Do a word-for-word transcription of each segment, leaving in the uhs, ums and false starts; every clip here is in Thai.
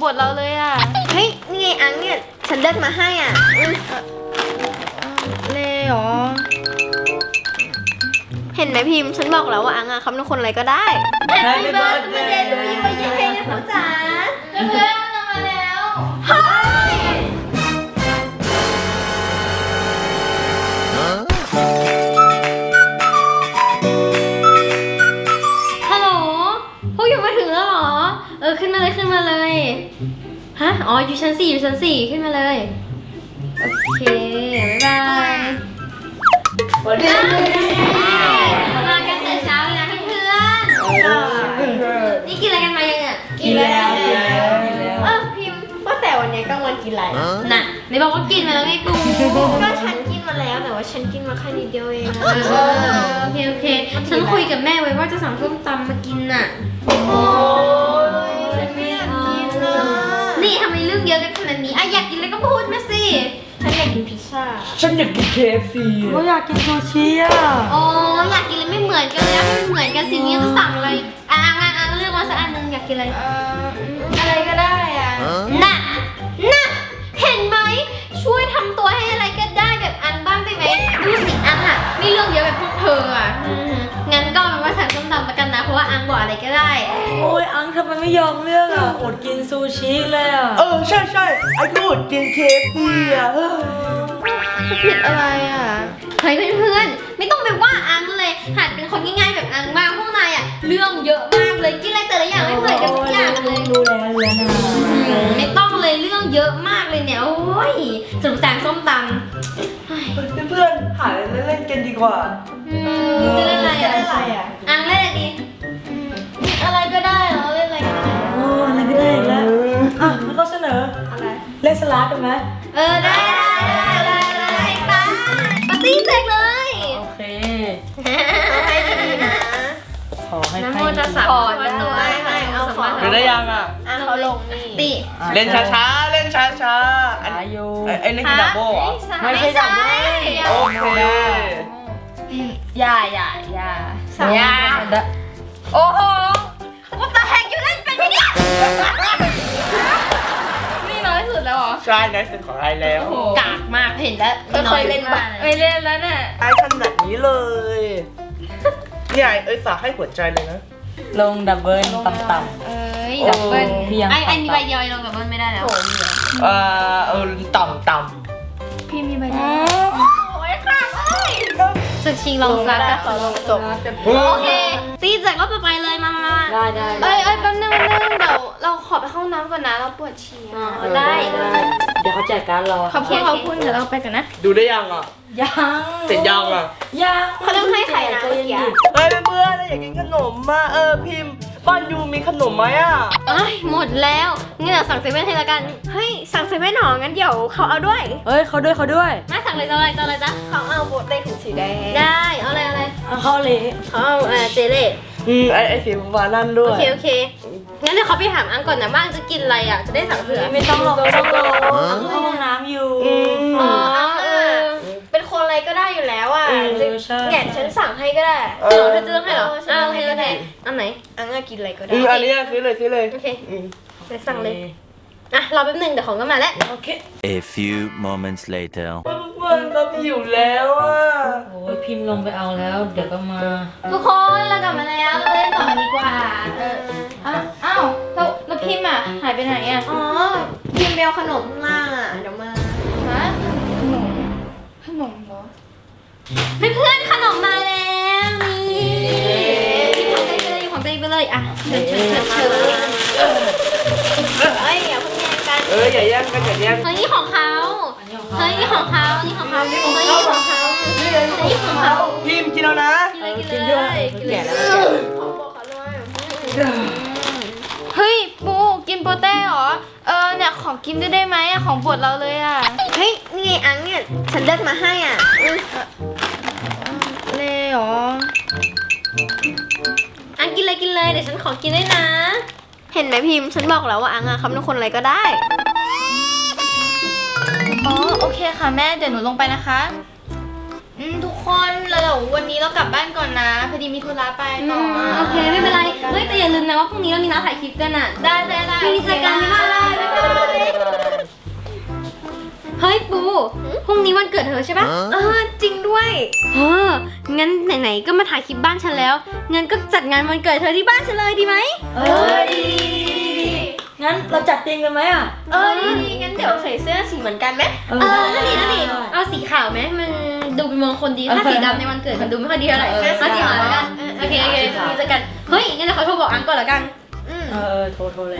ดเราเลยอ่ะเฮ้ยนี่ไงอังเนี่ยฉันเลือกมาให้อ่ะเลยเหรอเห็นไหมพิมพ์ฉันบอกแล้วว่าอังอ่ะเขาเป็นคนอะไรก็ได้ Happy birthday to you มาเย้นะพ่อจ๋าเพื่อนๆมาแล้วเฮ้ยฮัลโหลพวกอยู่มาถึงแล้วเหรอเออขึ้นมาเลยขึ้นมาเลยฮะอ๋ออยู่ชั้นสี่อยู่ชั้นสี่ขึ้นมาเลยโอเคบ๊ายบายวันนี้มากันแต่เช้าเลยนะเพื่อนๆนี่กินอะไรกันมายังอ่ะกินแล้วกินแล้วกินแล้วเออพิมพ์ว่าแต่วันนี้กลางวันกินอะไรน่ะไหนบอกว่ากินมาแล้วไงกูก็ฉันกินมาแล้วแต่ว่าฉันกินมาแค่นิดเดียวเองเออโอเคโอเคฉันคุยกับแม่ไว้ว่าจะสั่งส้มตำมากินน่ะโอ้ยฉันไม่อยากกินนะนี่ทำไมเรื่องเยอะกันขนาดนี้อ่ะอยากกินอะไรก็พูดมาสิฉันอยากกินพิซซ่าฉันอยากกิน เค เอฟ ซีก็อยากกินซูชิอ่ะโอ้อยากกินอะไรไม่เหมือนกันเลยให้มันเหมือนกันสินี้จะสั่งอะไรอ่ะอ่ะอ่ะอ่ะเลือกมาสักอันนึงอยากกินอะไรเอ่ออะไรก็ได้อ่ะน่ะน่ะเห็นไหมช่วยทำตัวให้อะไรก็ได้แบบอันบ้างได้ไหมดูสิอันอะไม่เรื่องเยอะแบบพวกเธออะอืมงั้นก็เป็นว่าสั่งส้มตำมากันนะเพราะว่าอังบอกอะไรก็ได้โอ้ยอังทำไมไม่ยอมเลือกอ่ะอดกินซูชิเลยอ่ะเออใช่ใช่ไอ้กูอดกิน เค เอฟ ซี อ่ะเออผิดอะไรอ่ะเฮ้ยเพื่อนๆไม่ต้องไปว่าอังเลยหัดเป็นคนง่ายๆแบบอังบ้างพวกนายอะเรื่องเยอะมากเลยกินอะไรแต่ละอย่างไม่เหมือนกันทุกอย่างเลยรู้แล้วรู้แล้วนะอืมไม่ต้องเลยเรื่องเยอะมากเลยเนี่ยโอ้ยสรุปสั่งส้มตำเฮ้ยเพื่อนๆหาอะไรเล่นๆกันดีกว่าอืมจะเล่นอะไรอะใช่อ่ะอังเล่นอะไรดีอะไรก็ได้เหรอเล่นอะไรก็ได้โอ้อะไรก็ได้อีกแล้วอ่ะแล้วก็เสนออะไรเล่นสลัดกันไหมเออได้ได้ได้ได้ได้ไปปาร์ตี้เสร็จเลยโอเคให้ดีๆนะขอให้น้ำใครโมตัสสะขอภะคะวะโตให้ให้เอาขอเดี๋ยวได้ยังอ่ะอ่ะเขาลงนี่ติเล่นช้าๆ เล่นช้าๆอันอายุไอ้ไอ้นี่คือดับเบิลเหรอไม่ใช่ดับเบิ้ลโอเคอย่าอย่าอย่าอย่าโอ้โหว่าตาแหกอยู่เล่นเป็นไหมเนี่ยนี่น้อยสุดแล้วเหรอใช่นะเป็นของไอ้แล้วกากมากเห็นแล้วไม่เคยเล่นบ้างไม่เล่นแล้วเนี่ยไอ้ขนาดนี้เลยเนี่ยไอ้เอ้ยฝากให้หัวใจเลยนะลงดับเบิลต่ำเอ้ยดับเบิ้ลโอ้เพียงไอ้ไอ้มีใบเดียวไอ้ลงดับเบิ้ลไม่ได้แล้วเอ่อเออต่ำต่พี่มีใบเดียวโอ้ยค่ะเลยศึกชิงลองซักก็ขอลงจบำโอเคตีจากรอบต่อไปเลยมามามาๆได้ได้เอ้ยเอ้ยแป๊บนึงแป๊บนึงเดี๋ยวเราขอไปเข้าห้องน้ำก่อนนะเราปวดฉี่อ๋ออะได้เดี๋ยวเขาแจกการดเราขอบคุณขอบคุณเดี๋ยวเราไปกันนะดูได้ยังอ่ะยังเสร็จยังอ่ะยังเขาต้องให้ใครนะเมื่อกี้เฮ้ยเพื่อนๆอยากกินขนมมาเออพิมพ์บ้านยูมีขนมไหมอ่ะเอ้ยหมดแล้วงั้นเดี๋ยวสั่งเซเว่นให้ละกันเฮ้ยสั่งเซเว่นหนองั้นเดี๋ยวเขาเอาด้วยเอ้ยเขาด้วยเขาด้วยมาสั่งเลยจะอะไรจะอะไรจ๊ะเขาเอาโบเต้ถุงสีแดงได้เอาอะไรเอาอะไรเอาเข้าเลยเขาเอาเอ่อเจเล่อืมไอไอสีฟ้านั่นด้โอวยเคโอเคงั้นเดี๋ยวเขาไปถามอังก่อนนะว่าอังจะกินอะไรอ่ะจะได้สั่งเผื่อไม่ต้องหรอกไม่ต้องหรอกเอาเข้าห้องน้ำอยู่อืมอ๋อเออเป็นคนอะไรก็ได้อยู่แล้วอ่ะอืมจะใช่แง่ฉันสั่งให้ก็ได้เดี๋ยวเธอจะเลือกให้เหรอเออฉันอ้าวโอเคเลืโออกเคให้อันไหนอังอะกินอะไรก็ได้อืมอันนี้ซื้อเลยซื้อเลยโอเคอืมเดี๋ยวสั่งเลยอ่ะรอแป๊บหนึงเดี๋ยวของก็มาแล้วโอเค A few moments later. เพื่อนๆก็หิวแล้วอ่ะโอ้ยพิมพ์ลงไปเอาแล้ว เดี๋ยวก็มาทุกคนเรากลับมาแล้วเราเล่นต่อดีกว่าเอออ้าวอ้าวแล้วแล้วพิมพ์อ่ะหายไปไหนอ่ะอ๋อกินเบลขนมข้างล่างอ่ะเดี๋ยวมาฮะขนมขนมเหรอเพื่อนๆขนมมาแล้วนี่หยิบของตัวเองไปเลยหยิบของตัวเองไปเลยอ่ะเชิญเชิญเชิญเชิญเอ้ยอย่าเพิ่งแย่งกันเอออย่าแย่งกันอย่าแย่งเฮ้ยนี่ของเขาอันนี้ของเขาเฮ้ยนี่ของเขานี่ของเขาเฮ้ยนี่ของเขานี่ของเขาพิมพ์กินแล้วนะกินเลยกินเลยกินเลยแก่แล้วขอบอกเขาด้วยเฮ้ยปูกินโปเต้เหรอเออเนี่ยขอกินด้วยได้ไหมอะของโปรดเราเลยอะเฮ้ยนี่ไงอังเนี่ยฉันเลือกมาให้อ่ะอืมเลยเหรออันกินเลยกินเลยเดี๋ยวฉันขอกินด้วยนะเห็นไหมพิมพ์ฉันบอกแล้วว่าอังอะเขาเป็นคนอะไรก็ได้อ๋อโอเคค่ะแม่เดี๋ยวหนูลงไปนะคะอืมทุกคนแล้วเดี๋ยววันนี้นี้เรากลับบ้านก่อนนะพอดีมีธุระไปอืต่อมโอเคไม่เป็นไรเฮ้ยแต่อย่าลืมนะว่าพรุ่งนี้เรามีนัดถ่ายคลิปกันอ่ะได้ได้ได้พรุ่งนี้เจอกันบ๊ายบายเฮ้ยปูพรุ่งนี้วันเกิดเธอใช่ปะเออจริงด้วยเอองั้นไหนๆก็มาถ่ายคลิปบ้านฉันแล้วงั้นก็จัดงานวันเกิดเธอที่บ้านฉันเลยดีไหมเออดีงั้นเราจัดเตียงกันไหมอ่ะเออดีดีงั้นเดี๋ยวใส่เสื้อสีเหมือนกันไหมเออนั่นดินั่นดิเอาสีขาวไหมมันดูเป็นมงคลดีถ้าสีดำในวันเกิดมันดูไม่ค่อยดีเท่าไหร่เอาสีขาวแล้วกันโอเคโอเคพรุ่งนี้เจอกันเฮ้ยงั้นเดี๋ยวขอโทรบอกอังก่อนละกันอืมเออโทรโทรเลย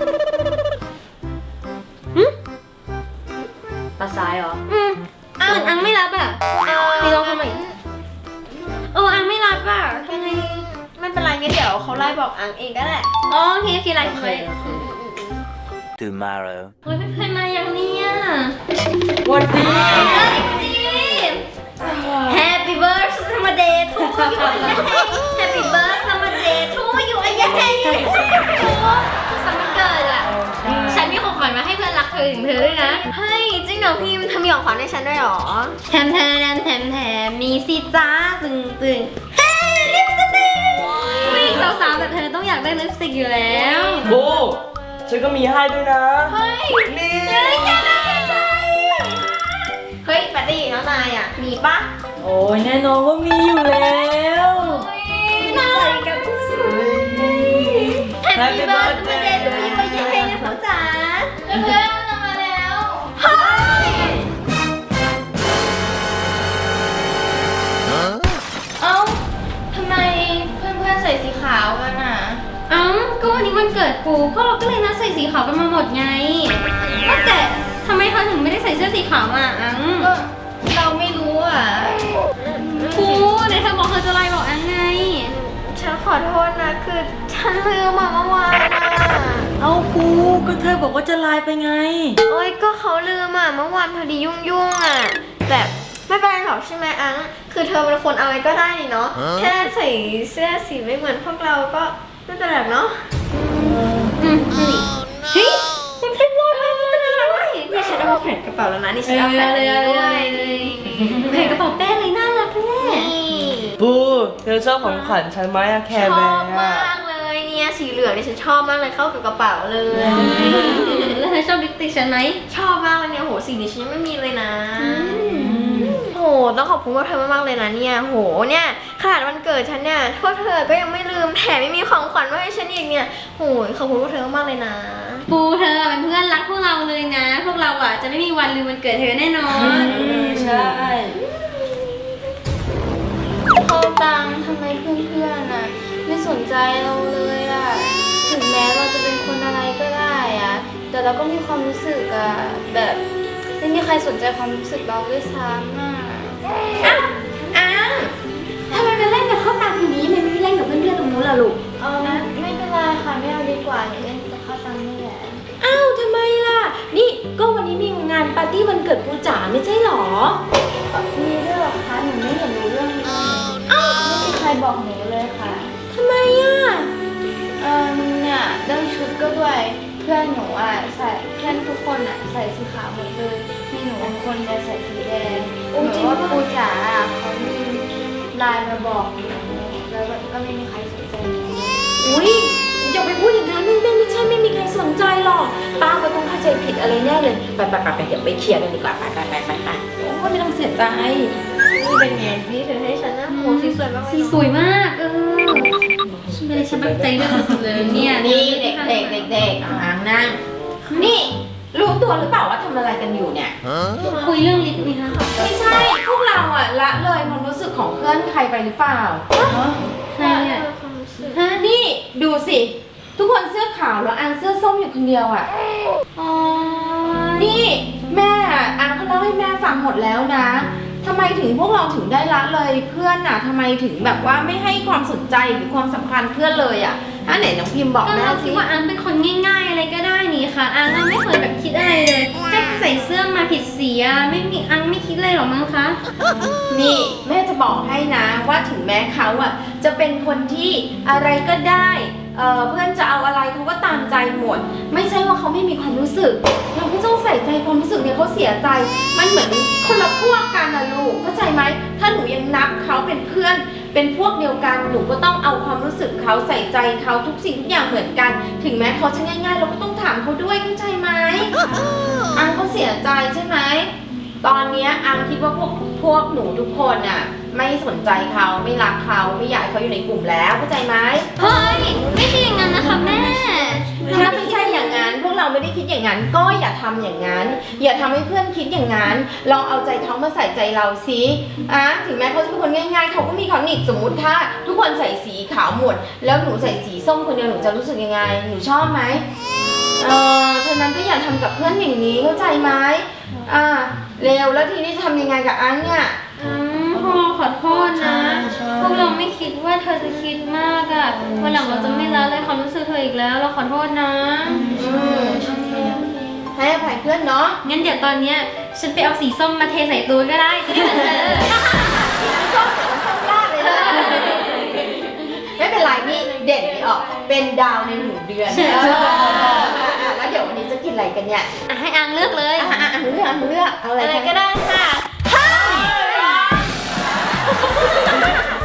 หึตัดสายเหรออืมอ่านอังไม่รับอ่ะพี่ลองทำใหม่เอออังไม่รับอ่ะทำไงไม่เป็นไรงั้นเดี๋ยวเขาไล่บอกอังเองก็แหละอ๋อโอเคโอเคไลน์โอเคไว้ Tomorrow. เฮ้ยเพื่อนๆมาอย่างเนี้ยวันดี Happy birthday to you Happy birthday to you ไอ้ยัยโอ้สุขสันต์วันเกิดอ่ะฉันมีของขวัญมาให้เพื่อนรักเธอถึงเธอด้วยนะเฮ้ยจริงเหรอพิมพ์ทำมีของขวัญให้ฉันด้วยเหรอแถมแถมแถมแถมมีสิจ้าตึงตึงเฮ้ยลิปสติกผู้หญิงสาวๆแบบเธอต้องอยากได้ลิปสติกอยู่แล้วบูฉันก็มีให้ด้วยนะเฮ้ยนี่เฮ้ยแกน่าสนใจเฮ้ยปาร์ตี้น้องนายอ่ะมีปะโอ้ยแน่นอนว่ามีอยู่แล้วน่ารักกับที่สุด Happy birthday to you เย้นะพ่อจ๋าเพื่อนๆเรามาแล้วเฮ้ยเอ้าทำไมเพื่อนๆใส่สีขาวกันอ่ะเอ้าก็วันนี้วันเกิดปูพวกเราก็เลยนัดใส่สีขาวกันมาหมดไงว่าแต่ทำไมเธอถึงไม่ได้ใส่เสื้อสีขาวอ่ะอังก็เราไม่รู้อ่ะปูไหนเธอบอกเธอจะไลน์บอกอังไงฉันขอโทษนะ คือฉันลืมมาเมื่อวานอ่ะเอากูก็เธอบอกว่าจะไลน์ไปไงโอ้ยก็เขาลืมอ่ะเมื่อวานพอดียุ่งๆอ่ะแต่ไม่เป็นไรหรอกใช่ไหมอังคือเธอเป็นคนอะไรก็ได้นี่เนาะแค่ใส่เสื้อสีไม่เหมือนพวกเราก็ไม่เป็นไรเนาะอืมนั่นดิเฮ้ยมันเป็นรอยมันเป็นอะไรเนี่ยฉันเอามาแขวนกระเป๋าแล้วนะนี่ฉันเอเอาอแขวนเลอันยนี้เลด้วยยเลยเห็นกระเป๋าแป้งเลยน่ารักแน่นี่บูเธอชอบของขวัญฉันไหมอะแคชร์แบอบร์มากเลยเนี่ยสีเหลืองเนี่ยฉันชอบมากเลยเข้ากับกระเป๋าเลยแล้วเธอชอบลิปสติกฉันไหมชอบมากเลยเนี่ยโหสีนี้ฉันยังไม่มีเลยนะโหต้องขอบคุณพวกเธอมากๆเลยนะเนี่ยโหเนี่ยขนาดวันเกิดฉันเนี่ยพวกเธอก็ยังไม่ลืมแถมไม่มีของขวัญมาให้ฉันอีกเนี่ยโหขอบคุณพวกเธอมากๆเลยนะปูเธอเป็นเพื่อนรักพวกเราเลยนะ พวกเราอ่ะจะไม่มีวันลืมวันเกิดเธอแน่นอนใช่โทษตังทำไมเพื่อนๆน่ะไม่สนใจเราเลยอะถึงแม้เราจะเป็นคนอะไรก็ได้อะแต่เราก็มีความรู้สึกอะแบบไม่มีใครสนใจความรู้สึกเราด้วยซ้ำอะอ้าวอ้าวทำไมมาเล่นกับข้าวตังทีนี้ไม่ไม่เล่นกับเพื่อนๆตรงนู้นล่ะลูกเออไม่เป็นไรค่ะไม่เอาดีกว่าอย่าเล่นกับข้าวตังนี่แหละอ้าวทำไมล่ะ นี่ก็วันนี้มีงานปาร์ตี้วันเกิดปูจ๋าไม่ใช่หรอมีด้วยเหรอคะหนูไม่เห็นรู้เรื่องนี้ไม่มีใครบอกหนูเลยค่ะทำไมอ่ะเออเนี่ยเรื่องชุดก็ด้วยเพื่อนหนูอ่ะใส่เพื่อนทุกคนอ่ะใส่สีขาวหมดเลยมีหนูบางคนเนี่ยใส่สีแดงหนูว่าปูจ๋าอ่ะเขามีไลน์มาบอกหนูแล้วแบบก็ไม่มีใครสนใจหนูอุ้ยอย่าไปพูดอย่างนั้นไม่ไม่ไม่ใช่ไม่มีใครสนใจหรอกป้าก็ต้องเข้าใจผิดอะไรแน่เลย ไปไปไปไปเดี๋ยวไปเคลียร์กันดีกว่า ไปไปไปไปไปโอ้ไม่ต้องเสียใจนี่เป็นไงพี่เธอให้ฉันนะโหสีสวยมากเลยสีสวยมากเออฉันไม่ได้ฉันตั้งใจเลือกสุดๆเลยเนี่ยนี่เด็กเด็กเด็กเด็กอ่างนั่ง นี่รู้ตัวหรือเปล่าว่าทำอะไรกันอยู่เนี่ยคุยเรื่องลิปนี่คะไม่ใช่ พวกเราอะละเลยความรู้สึกของเพื่อนใครไปหรือเปล่าใช่เนี่ยความรู้สึกฮะนี่ดูสิ ทุกคนเสื้อขาวแล้วอันเสื้อส้มอยู่คนเดียวอะอ๋อนี่แม่อะอันเขาเล่าให้แม่ฟังหมดแล้วนะทำไมถึงพวกเราถึงได้ละเลยเพื่อนอะทำไมถึงแบบว่าไม่ให้ความสนใจหรือความสำคัญเพื่อนเลยอะถ้าไหนน้องพิมพ์บอกก็แม่เราสิคิดว่าอังเป็นคนง่ายๆอะไรก็ได้นี่ค่ะอังอะไม่เคยแบบคิดอะไรเลยแค่ใส่เสื้อมาผิดสีอะไม่มีอังไม่คิดเลยหรอกมั้งคะนี่แม่จะบอกให้นะว่าถึงแม้เขาอะจะเป็นคนที่อะไรก็ได้เอ่อเพื่อนจะเอาอะไรเขาก็ตามใจหมด ไม่ใช่ว่าเขาไม่มีความรู้สึก เราก็ต้องใส่ใจความรู้สึกเนี่ยเขาเสียใจ มันเหมือนคนละพวกกันนะลูกเข้าใจไหมถ้าาหนูยังนับเขาเป็นเพื่อนเป็นพวกเดียวกันหนูก็ต้องเอาความรู้สึกเขาใส่ใจเขาทุกสิ่งทุกอย่างเหมือนกัน ถึงแม้เขาจะง่ายๆเราก็ต้องถามเขาด้วยเข้าใจไหม อังเขาเสียใจใช่ไหมตอนเนี้ยอังคิดว่าพวกพวกหนูทุกคนอ่ะไม่สนใจเขาไม่รักเขาไม่อยากให้เขาอยู่ในกลุ่มแล้วเข้าใจไหมเฮ้ย ไม่ใช่อย่างนั้นนะคะแม่ถ้าไม่ใช่อย่างนั้นพวกเราไม่ได้คิดอย่างนั้นก็อย่าทำอย่างนั้น อย่าทำให้เพื่อนคิดอย่างนั้นลองเอาใจเขามาใส่ใจเราสิอ่ะถึงแม้เขาจะเป็นคนง่ายๆเขาก็มีเขาหนิสมมุติถ้าทุกคนใส่สีขาวหมด แล้วหนูใส่สีส้มคนเดียวหนูจะรู้สึกยังไงหนูชอบไหมเออฉะนั้นก็อย่าทำกับเพื่อนอย่างนี้เข้าใจไหมอ่าเร็วแล้วทีนี้จะทำยังไงกับอังเนี่ยอืมพ่อขอโทษนะ พวกเราไม่คิดว่าเธอจะคิดมากอะวันหลังเราจะไม่ละเลยความรู้สึกเธออีกแล้ว เราขอโทษนะอืมให้อภัยเพื่อนเนาะงั้นเดี๋ยวตอนเนี้ยฉันไปเอาสีส้มมาเทใส่ตัวก็ได้จะได้เหมือนเธอชอบแต่มันชอบยากเลยนะไม่เป็นไรนี่เด่นไม่ออกเป็นดาวในหนึ่งเดือนเออแล้วเดี๋ยววันนี้จะกินอะไรกันเนี่ยอ่ะให้อังเลือกเลยอ่ะอ่ะอ่ะเลือกเลือกเอาอะไรอะไรกันก็ได้ค่ะเ